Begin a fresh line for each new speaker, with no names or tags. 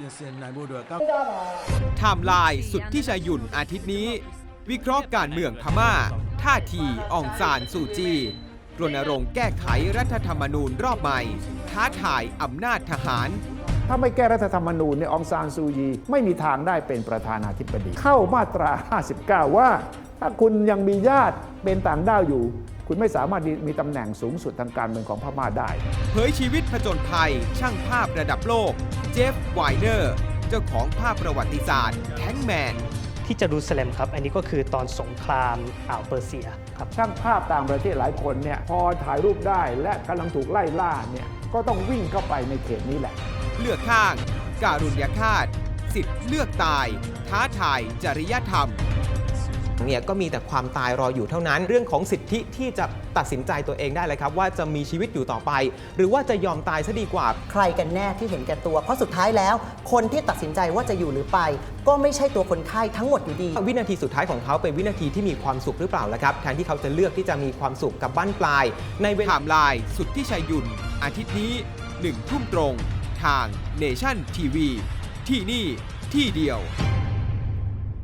ไทม์ไลน์สุดที่ชายุ่นอาทิตย์นี้ วิเคราะห์การเมืองพม่า ท่าทีอองซานซูจีรณรงค์แก้ไขรัฐธรรมนูญรอบใหม่ ท้าทายอำนาจทหาร
ถ้าไม่แก้รัฐธรรมนูญเนี่ยองซานซูยีไม่มีทางได้เป็นประธานาธิบดี เข้ามาตรา 59 ว่า ถ้าคุณยังมีญาติเป็นต่างด้าวอยู่ คุณไม่สามารถมีตำแหน่งสูงสุดทางการเมืองของพม่าได้
เผยชีวิตผจญภัย ช่างภาพระดับโลก เจฟไวเนอร์ เจ้าของภาพประวัติศาสตร์แทงแมน
ที่เยรูซาเล็มครับ อันนี้ก็คือตอนสงครามอ่าวเปอร์เซียครับ
ช่างภาพต่างประเทศหลายคนเนี่ยพอถ่ายรูปได้และกำลังถูกไล่ล่าเนี่ยก็ต้องวิ่งเข้าไปในเขตนี้แหละ
เลือกข้าง การุญยฆาต สิทธิ์เลือกตาย ท้าทายจริยธรรม
เนี่ยก็มีแต่ความตายรออยู่เท่านั้น เรื่องของสิทธิที่จะตัดสินใจตัวเองได้เลยครับว่าจะมีชีวิตอยู่ต่อไป หรือว่าจะยอมตายซะดีกว่า
ใครกันแน่ที่เห็นแก่ตัว เพราะสุดท้ายแล้ว คนที่ตัดสินใจว่าจะอยู่หรือไป ก็ไม่ใช่ตัวคนไข้ทั้งหมดอยู่ดี
วินาทีสุดท้ายของเขาเป็นวินาทีที่มีความสุขหรือเปล่าล่ะครับแทนที่เขาจะเลือกที่จะมีความสุขกับบั้นปลาย ในเว
ไท
ลา
ม์ไลน์สุดที่ชายุ่นอาทิตย์นี้ 1 ทุ่มตรง ทาง Nation TV ที่นี่ที่เดียว